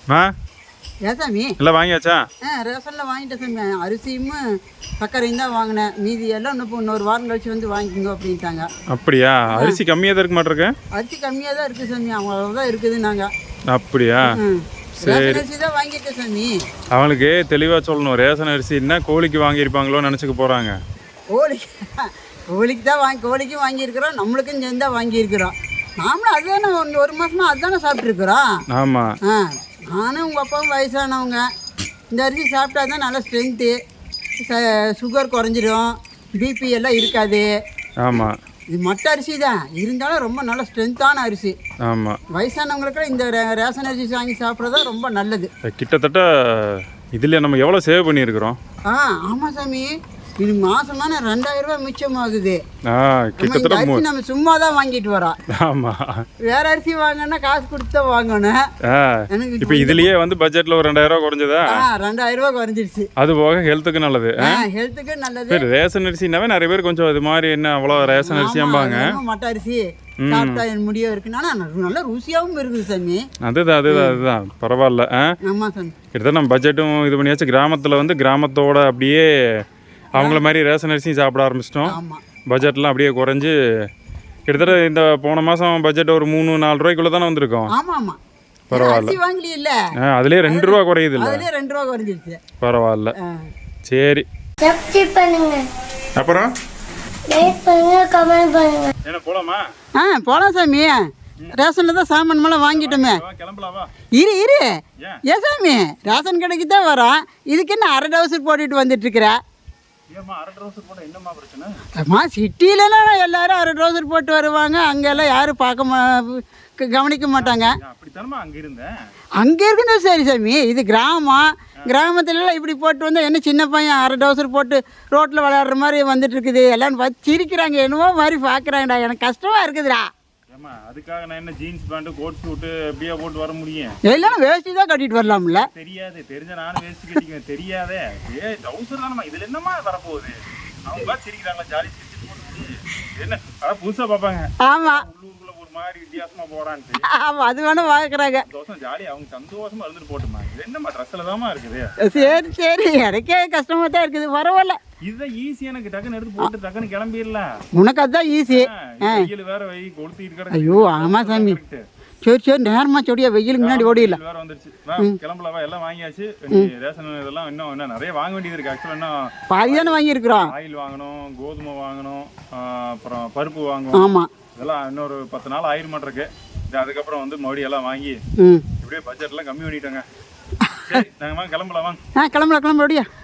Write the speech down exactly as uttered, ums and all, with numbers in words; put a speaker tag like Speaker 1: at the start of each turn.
Speaker 1: ஆ
Speaker 2: ஏன் சாமி
Speaker 1: எல்லாம் வாங்கியாச்சா?
Speaker 2: ஆ ரேஷனில் வாங்கிட்டேன் சாமி. அரிசியும் சர்க்கரையும் தான் வாங்கினேன். மீதி எல்லாம் இன்னும் இன்னொரு வாரம் கழிச்சு வந்து வாங்கிக்கோங்க அப்படின்ட்டாங்க.
Speaker 1: அப்படியா? அரிசி கம்மியாக தான் இருக்க மாட்டிருக்கு.
Speaker 2: அரிசி கம்மியாக தான் இருக்குது சாமி. அவங்க தான் இருக்குது நாங்கள்.
Speaker 1: அப்படியா?
Speaker 2: ரேஷன் அரிசி தான் வாங்கியிருக்கேன் சாமி.
Speaker 1: அவங்களுக்கு தெளிவாக சொல்லணும். ரேஷன் அரிசின்னா கோழிக்கு வாங்கியிருப்பாங்களோன்னு நினச்சிக்க போகிறாங்க.
Speaker 2: கோழிக்கு கோழிக்கு தான் வாங்கி கோழிக்கும் வாங்கியிருக்கிறோம், நம்மளுக்கும் சேர்ந்து தான் வாங்கியிருக்கிறோம். நாமளும் அதுதானே ஒன்று ஒரு மாதமா அதுதானே சாப்பிட்ருக்குறோம்.
Speaker 1: ஆமாம்.
Speaker 2: ஆ நானும் உங்கள் அப்பாவும் வயசானவங்க. இந்த அரிசி சாப்பிட்டா தான் நல்லா ஸ்ட்ரென்த்து, சுகர் குறைஞ்சிடும், பிபி எல்லாம் இருக்காது.
Speaker 1: ஆமாம்.
Speaker 2: இது மட்ட அரிசி தான் இருந்தாலும் ரொம்ப நல்ல ஸ்ட்ரென்த்தான அரிசி.
Speaker 1: ஆமாம்.
Speaker 2: வயசானவங்களுக்கு இந்த ரே ரேஷன் அரிசி வாங்கி சாப்பிட்றதா ரொம்ப நல்லது.
Speaker 1: கிட்டத்தட்ட இதில் நம்ம எவ்வளோ சேவ் பண்ணியிருக்கிறோம்?
Speaker 2: ஆ ஆமாம் சாமி. இது மாசமான ரெண்டாயிரம் ரூபாய் மிச்சமாகுது.
Speaker 1: ஆ கிட்டத்தட்ட
Speaker 2: அரிசி நம்ம சும்மா தான் வாங்கிட்டு வரோம்.
Speaker 1: ஆமாம்.
Speaker 2: வேற அரிசி வாங்கினா காசு கொடுத்து தான் வாங்கணும்.
Speaker 1: ஆ இப்போ இதுலயே வந்து பட்ஜெட்ல ஒரு ரெண்டாயிரம் ரூபாய் குறைஞ்சதா?
Speaker 2: ஆ ரெண்டாயிரம் ரூபாய் குறைஞ்சிருச்சு.
Speaker 1: அது போக ஹெல்த்துக்கு நல்லது.
Speaker 2: ஹெல்த்துக்கு நல்லது.
Speaker 1: சரி, ரேஷன் அரிசினாவே நிறைய பேர் கொஞ்சம் இது மாதிரி என்ன அவ்வளோ ரேஷன் அரிசியாம்பாங்க.
Speaker 2: மட்ட அரிசி சாப்பிட்டா என் முடியும் இருக்குன்னா நல்ல ருசியாகவும் இருக்குது சாமி.
Speaker 1: அதுதான் அதுதான் அதுதான் பரவாயில்ல.
Speaker 2: ஆமாம் சாமி.
Speaker 1: கிட்டத்தட்ட நம்ம பட்ஜெட்டும் இது பண்ணியாச்சு. கிராமத்தில் வந்து கிராமத்தோட அப்படியே அவங்கள மாதிரி ரேஷன் அரிசியும் சாப்பிட ஆரம்பிச்சிட்டோம். பட்ஜெட்லாம் அப்படியே குறைஞ்சி கிட்டத்தட்ட இந்த போன மாதம் பட்ஜெட் ஒரு மூணு நாலு ரூபாய்க்குள்ளே தானே வந்திருக்கோம்.
Speaker 2: ஆமாம் ஆமாம்.
Speaker 1: பரவாயில்ல.
Speaker 2: வாங்கலி இல்லை,
Speaker 1: அதுலேயே ரெண்டு ரூபா குறையுது இல்லை?
Speaker 2: அதுலேயே ரெண்டு ரூபா குறைஞ்சிருச்சு.
Speaker 1: பரவாயில்ல. சரி, அப்புறம் என்ன போலாமா?
Speaker 2: ஆ போகலாம் சாமி. ரேஷனில் தான் சாமான் மேலே வாங்கிட்டோமே.
Speaker 1: கிளம்பலாமா?
Speaker 2: இரு இரு ஏன் சாமி, ரேஷன் கடைக்கு தான் வரோம். இதுக்கு என்ன அரை டவுசர் போட்டுட்டு வந்துட்டுருக்குற? அம்மா சிட்டிலலாம் எல்லாரும் அரை டவுசர் போட்டு வருவாங்க. அங்கெல்லாம் யாரும் பார்க்க மா கவனிக்க மாட்டாங்க. அங்கே இருக்குன்னு சரி சாமி. இது கிராமம். கிராமத்துலலாம் இப்படி போட்டு வந்தால் என்ன சின்ன பையன் அரை டவுசர் போட்டு ரோட்டில் விளையாடுற மாதிரி வந்துட்டு இருக்குது. எல்லாம் பார்த்து சிரிக்கிறாங்க, என்னவோ மாதிரி பார்க்குறாங்கடா. எனக்கு கஷ்டமாக இருக்குதுடா.
Speaker 1: அதுக்காக நான் என்ன ஜீன்ஸ் பேண்ட் கோட் சூட் அப்படியே போட்டு வர முடியும்?
Speaker 2: எல்லாம் வேஷ்டி தான் கட்டிட்டு வரலாம்ல.
Speaker 1: தெரியாது, தெரிஞ்ச நானும் வேஷ்டி கட்டிக்குவேன். தெரியாதே, ஏ டவுசர் தானே. இதுல என்னமா வரப்போகுது? அவங்க பார்த்து சிரிக்கிறாங்களா, ஜாலி சிரிச்சு போட்டு என்ன அதான் புதுசா பார்ப்பாங்க.
Speaker 2: ஆமா,
Speaker 1: உள்ளூருக்குள்ள ஒரு மாதிரி வித்தியாசமா போறான்ட்டு.
Speaker 2: ஆமா, அது வேணும் பார்க்குறாங்க.
Speaker 1: தோசம் ஜாலி, அவங்க சந்தோஷமா இருந்துட்டு போட்டுமா. இது என்னமா ட்ரெஸ்ல தாமா இருக்குது?
Speaker 2: சரி சரி, எனக்கே கஷ்டமா தான் இருக்குது. பரவாயில்ல,
Speaker 1: இதுதான் ஈஸி. எனக்கு டக்குன்னு எடுத்து போட்டு டக்குன்னு கிளம்பிடலாம்.
Speaker 2: உனக்கு அதுதான் ஈஸி.
Speaker 1: வெயில் வேற வெய் கொளுத்திட்டு.
Speaker 2: ஐயோ ஆமா சாமி. சரி சரி, நேரமா சொடியா, வெயிலுக்கு முன்னாடி ஓடிடல.
Speaker 1: வேற வந்துருச்சு. கிளம்பலவா? எல்லாம் வாங்கியாச்சு. ரேஷன் இதெல்லாம் இன்னும் இன்னும் நிறைய வாங்க வேண்டியது இருக்கு. ஆக்சுவலா இன்னும்
Speaker 2: பாதி தானே வாங்கியிருக்கிறோம்.
Speaker 1: ஆயில் வாங்கணும், கோதுமை வாங்கணும், அப்புறம் பருப்பு வாங்கணும்.
Speaker 2: ஆமா,
Speaker 1: இதெல்லாம் இன்னொரு பத்து நாள் ஆயிரம் மாட்டிருக்கு. அதுக்கப்புறம் வந்து மறுபடியும் எல்லாம் வாங்கி இப்படியே பட்ஜெட் எல்லாம் கம்மி பண்ணிட்டோங்க. சரி, நாங்க கிளம்பலாம் வாங்க.
Speaker 2: ஆ கிளம்பலாம் கிளம்புறோடியா.